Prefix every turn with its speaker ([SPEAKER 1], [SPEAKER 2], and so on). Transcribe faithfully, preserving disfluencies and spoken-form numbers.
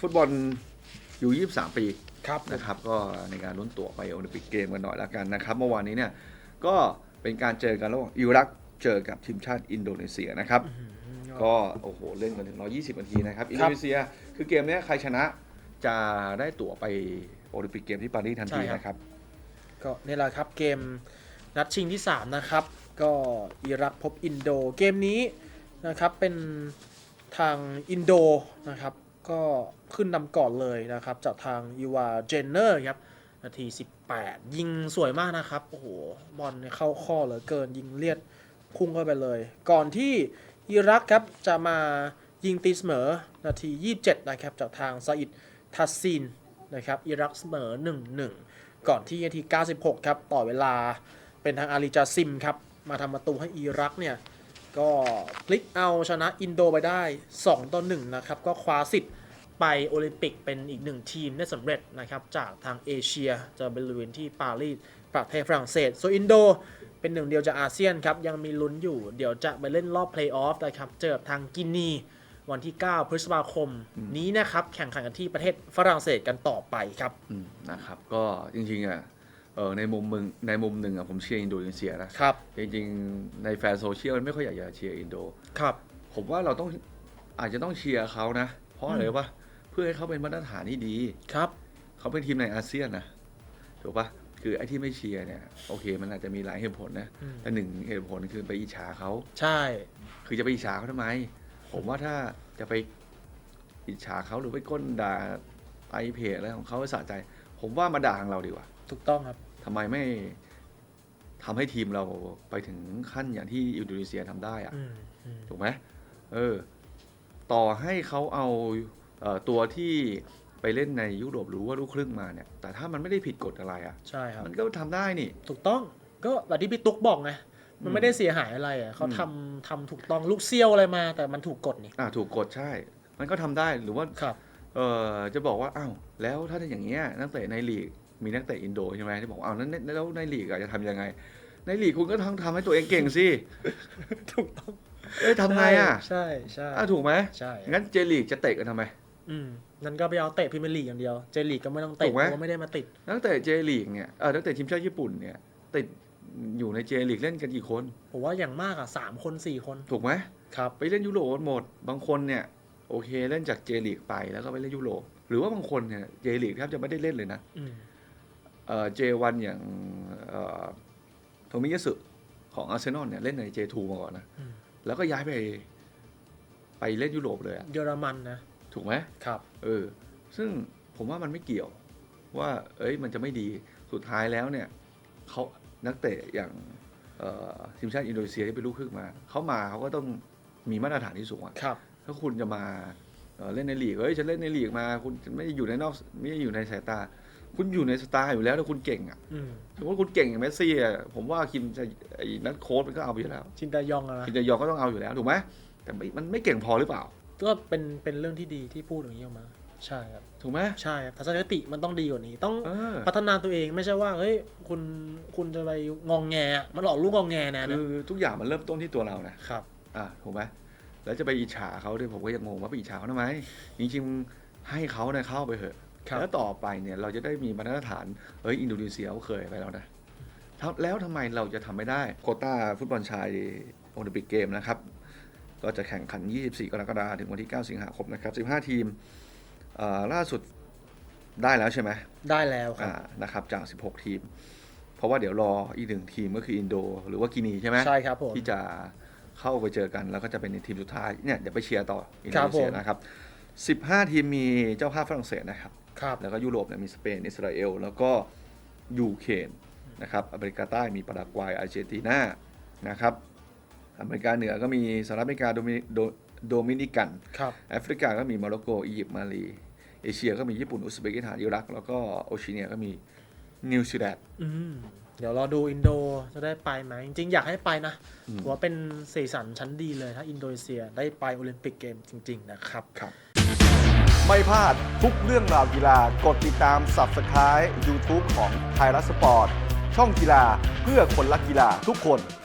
[SPEAKER 1] ฟุตบอลอยู่ยี่สิบสามปี
[SPEAKER 2] ครับ
[SPEAKER 1] นะครับก็ในการลุ้นตั๋วไปโอลิมปิกเกมกันหน่อยละกันนะครับเมื่อวานนี้เนี่ยก็เป็นการเจอกันระหว่างอิรักเจอกับทีมชาติอินโดนีเซียนะครับก็โอ้โหเล่นกันถึงหนึ่งร้อยยี่สิบนาทีนะครับอินโดนีเซียคือเกมนี้ใครชนะจะได้ตั๋วไปโอลิมปิกเกมที่ปารีสทันทีนะครับ
[SPEAKER 2] ก็นี่แหละครับเกมนัดชิงที่สามนะครับก็อิรักพบอินโดเกมนี้นะครับเป็นทางอินโดนะครับก็ขึ้นนำก่อนเลยนะครับจากทางยูวาเจนเนอร์ครับนาทีสิบแปดยิงสวยมากนะครับโอ้โหบอลเข้าข้อเหลือเกินยิงเลียดพุ่งเข้าไปเลยก่อนที่อิรักครับจะมายิงตีเสมอนาทียี่สิบเจ็ดนะครับจากทางซาอิดทัสซินนะครับอิรักเสมอ หนึ่งหนึ่ง ก่อนที่นาทีเก้าสิบหกครับต่อเวลาเป็นทางอาลีจาซิมครับมาทำประตูให้อิรักเนี่ยก็พลิกเอาชนะอินโดไปได้สองต่อหนึ่งนะครับก็คว้าสิทธิ์ไปโอลิมปิกเป็นอีกหนึ่งทีมได้สำเร็จนะครับจากทางเอเชียจะบริเวณที่ปารีสประเทศฝรั่งเศสส่วนอินโดเป็นหนึ่งเดียวจากอาเซียนครับยังมีลุ้นอยู่เดี๋ยวจะไปเล่นรอบเพลย์ออฟนะครับเจอทางกินีวันที่เก้าพฤษภาคมนี้นะครับแข่งขันกันที่ประเทศฝรั่งเศสกันต่อไปครับ
[SPEAKER 1] นะครับก็จริงๆอ่ะเออในมุมมึงในมุมหนึ่งอ่ะผมเชียร์อินโดนีเซียนะครับจริงๆในแฟนโซเชียลไม่ค่อยอยากจะเชียร์อินโด
[SPEAKER 2] ครับ
[SPEAKER 1] ผมว่าเราต้องอาจจะต้องเชียร์เขานะเพราะอะไรวะเพื่อให้เขาเป็นมาตรฐานที่ดี
[SPEAKER 2] ครับ
[SPEAKER 1] เขาเป็นทีมในอาเซียนนะถูกปะคือไอ้ที่ไม่เชียร์เนี่ยโอเคมันอาจจะมีหลายเหตุผลนะแต่หนึ่งเหตุผลคือไปอิจฉาเขา
[SPEAKER 2] ใช่
[SPEAKER 1] คือจะไปอิจฉาเขาทำไมผมว่าถ้าจะไปอิจฉาเขาหรือไปก้นด่าไอเพจอะไรของเขาสะใจผมว่ามาด่าทางเราดีกว่า
[SPEAKER 2] ถูกต้องครับ
[SPEAKER 1] ทำไมไม่ทำให้ทีมเราไปถึงขั้นอย่างที่อินโดนีเซียทำได้อะถูกไหมเออต่อให้เขาเอาเอ่อตัวที่ไปเล่นในยุโรปหรือว่าลูกครึ่งมาเนี่ยแต่ถ้ามันไม่ได้ผิดกฎอะไรอ่ะ
[SPEAKER 2] ใช่ครับ
[SPEAKER 1] มันก็ทำได้นี่
[SPEAKER 2] ถูกต้องก็แบบที่พี่ตุ๊กบอกไงมันไม่ได้เสียหายอะไรอ่ะเขาทำทำถูกต้องลูกเซี่ยวอะไรมาแต่มันถูกกฎนี่
[SPEAKER 1] อ่าถูกกฎใช่มันก็ทำได้หรือว่า
[SPEAKER 2] ครับ
[SPEAKER 1] เออจะบอกว่าอ้าวแล้วถ้าเป็นอย่างเงี้ยนักเตะในลีกมีนักเตะอินโดใช่ไหมที่บอกอ้าวนั้นแล้วในลีกจะทำยังไงในลีกคุณก็ต้องทำให้ตัวเองเก่งสิ
[SPEAKER 2] ถูกต้อง
[SPEAKER 1] เอ้ยทำไงอ่ะ
[SPEAKER 2] ใช่ใช่
[SPEAKER 1] อ่ะถูกไหม
[SPEAKER 2] ใช่
[SPEAKER 1] งั้นเจลีกจะเตะกันทำไม
[SPEAKER 2] อืมนั่นก็ไปเอาเตะพรีเมียร์ลีกอย่างเดียวเจลีกก็ไม่ต้องเตะเพราะไม่ได้มาติด
[SPEAKER 1] นักเตะเจลีกเนี่ยเออนักเตะทีมชาติญี่ปุ่นเนี่ยติดอยู่ในเจลีกเล่นกันกี่คน
[SPEAKER 2] ผมว่าอย่างมากอ่ะสามคนสี่คน
[SPEAKER 1] ถูกไหม
[SPEAKER 2] ครับ
[SPEAKER 1] ไปเล่นยุโรปหมดบางคนเนี่ยโอเคเล่นจากเจลีกไปแล้วก็ไปเล่นยุโรปหรือว่าบางคนเนี่ยเจลีกแทบจะไม่ได้เล่นเลยนะเออเจวันอย่างเอ่อโทมิยะสึของอาร์เซนอลเนี่ยเล่นในเจทูมาก่อนนะแล้วก็ย้ายไปไปเล่นยุโรปเลยอะ
[SPEAKER 2] เยอรมันนะ
[SPEAKER 1] ถูกไหม
[SPEAKER 2] ครับ
[SPEAKER 1] เออซึ่งผมว่ามันไม่เกี่ยวว่าเอ้ยมันจะไม่ดีสุดท้ายแล้วเนี่ยเขานักเตะอย่างทีมชาติอินโดนีเซียที่เป็นลูกครึ่งมาเขามาเขาก็ต้องมีมาตรฐานที่สูงอ่ะถ้าคุณจะมาเล่นในลีกเฮ้ยฉันเล่นในลีกมาคุณไม่ได้อยู่ในนอกไม่ได้อยู่ในสายตาคุณอยู่ในสตาร์อยู่แล้วถ้าคุณเก่งอ่ะสมมติคุณเก่งอย่างเมสซี่อ่ะผมว่าคิมจะไอ้นักโค้ชมันก็เอาไปอยู่แล้ว
[SPEAKER 2] ชินตายองอะ
[SPEAKER 1] ชินตายองก็ต้องเอาอยู่แล้วถูกไหมแต่มันไม่เก่งพอหรือเปล่า
[SPEAKER 2] ก็เป็นเป็นเรื่องที่ดีที่พูดอย่างนี้ออกมาใช่ครับ
[SPEAKER 1] ถูกไหม
[SPEAKER 2] ใช่ครับทัศนคติมันต้องดีกว่านี้ต้องพัฒนาตัวเองไม่ใช่ว่าเฮ้ยคุณคุณจะไปงองแงมันหลอกลูกงองแงนะ
[SPEAKER 1] คือทุกอย่างมันเริ่มต้นที่ตัวเรานะครับอ่าถูกไหมแล้วจะไปอิจฉาเขาด้วยผมก็ยังงงว่าไปอิจฉาเขาทำไมจริงๆให้เขาเนี่ยเข้าไปเถอะแล้วต่อไปเนี่ยเราจะได้มีมาตรฐานเฮ้ยอินโดนีเซียเขาเคยไปแล้วนะแล้วทำไมเราจะทำไม่ได้โควต้าฟุตบอลชายโอลิมปิกเกมนะครับก็จะแข่งขันยี่สิบสี่กรกฎาคมถึงวันที่เก้าสิงหาคมนะครับสิบห้าทีมล่าสุดได้แล้วใช่ไหม
[SPEAKER 2] ได้แล้วครับ
[SPEAKER 1] นะครับจากสิบหกทีมเพราะว่าเดี๋ยวรออีกหนึ่งทีมก็คืออินโดหรือว่ากินีใช่ไหม
[SPEAKER 2] ใช่ครับผม
[SPEAKER 1] ที่จะเข้าไปเจอกันแล้วก็จะเป็นในทีมสุดท้ายเนี่ยเดี๋ยวไปเชียร์ต่ออินโดนีเซียนะครับสิบห้าทีมมีเจ้าภาพฝรั่งเศสนะครับแล้วก็ยุโรปเนี่ยมีสเปนอิสราเอลแล้วก็ยูเครนนะครับอเมริกาใต้มีปารากวัยอาร์เจนตินานะครับอเมริกาเหนือก็มีสหรัฐอเมริกาโดมิโดมินิกันแอฟริกาก็มีโมร็อกโกอียิปต์มาลีเอเชียก็มีญี่ปุ่นอุซเบกิสถานอิรักแล้วก็โอเชียเนียก็มีนิวซีแลนด์
[SPEAKER 2] เดี๋ยวรอดูอินโดจะได้ไปไหมจริงๆอยากให้ไปนะว่าเป็นสีสันชั้นดีเลยถ้าอินโดนีเซียได้ไปโอลิมปิกเกมจริงๆนะครับ
[SPEAKER 1] ครับไม่พลาดทุกเรื่องราวกีฬากดติดตาม ซับสไครบ์ ยูทูบ ของไทยรัฐสปอร์ตช่องกีฬาเพื่อคนรักกีฬาทุกคน